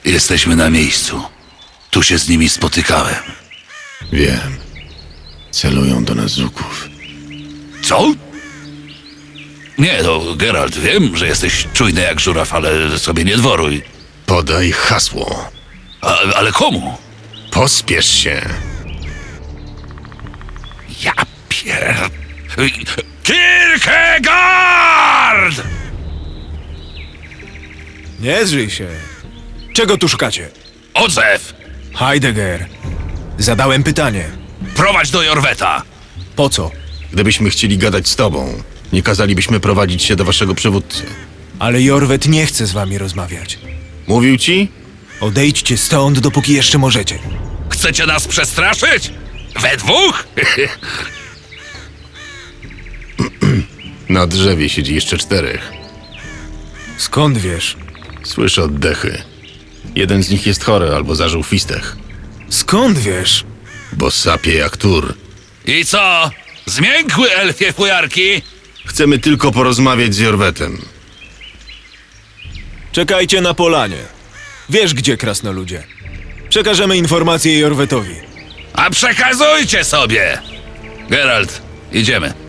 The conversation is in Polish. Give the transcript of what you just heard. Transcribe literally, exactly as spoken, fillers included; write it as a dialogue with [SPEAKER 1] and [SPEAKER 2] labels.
[SPEAKER 1] Jesteśmy na miejscu. Tu się z nimi spotykałem.
[SPEAKER 2] Wiem. Celują do nas Zuków.
[SPEAKER 1] Co? Nie, no, Geralt, wiem, że jesteś czujny jak żuraw, ale sobie nie dworuj.
[SPEAKER 2] Podaj hasło.
[SPEAKER 1] A, ale komu?
[SPEAKER 2] Pospiesz się.
[SPEAKER 1] Ja pier... Kierkegaard!
[SPEAKER 3] Nie zrzyj się. Czego tu szukacie?
[SPEAKER 1] Odzew!
[SPEAKER 3] Heidegger. Zadałem pytanie.
[SPEAKER 1] Prowadź do Jorweta!
[SPEAKER 3] Po co?
[SPEAKER 2] Gdybyśmy chcieli gadać z tobą, nie kazalibyśmy prowadzić się do waszego przywódcy.
[SPEAKER 3] Ale Jorwet nie chce z wami rozmawiać.
[SPEAKER 2] Mówił ci?
[SPEAKER 3] Odejdźcie stąd, dopóki jeszcze możecie.
[SPEAKER 1] Chcecie nas przestraszyć? We dwóch?
[SPEAKER 2] Na drzewie siedzi jeszcze czterech.
[SPEAKER 3] Skąd wiesz?
[SPEAKER 2] Słyszę oddechy. Jeden z nich jest chory albo zażył fistech,
[SPEAKER 3] Skąd wiesz?
[SPEAKER 2] bo sapie jak tur.
[SPEAKER 1] I co? Zmiękły elfie fujarki?
[SPEAKER 2] Chcemy tylko porozmawiać z Jorwetem.
[SPEAKER 3] Czekajcie na polanie. Wiesz gdzie, krasnoludzie. Przekażemy informację Jorwetowi.
[SPEAKER 1] A przekazujcie sobie! Geralt, idziemy.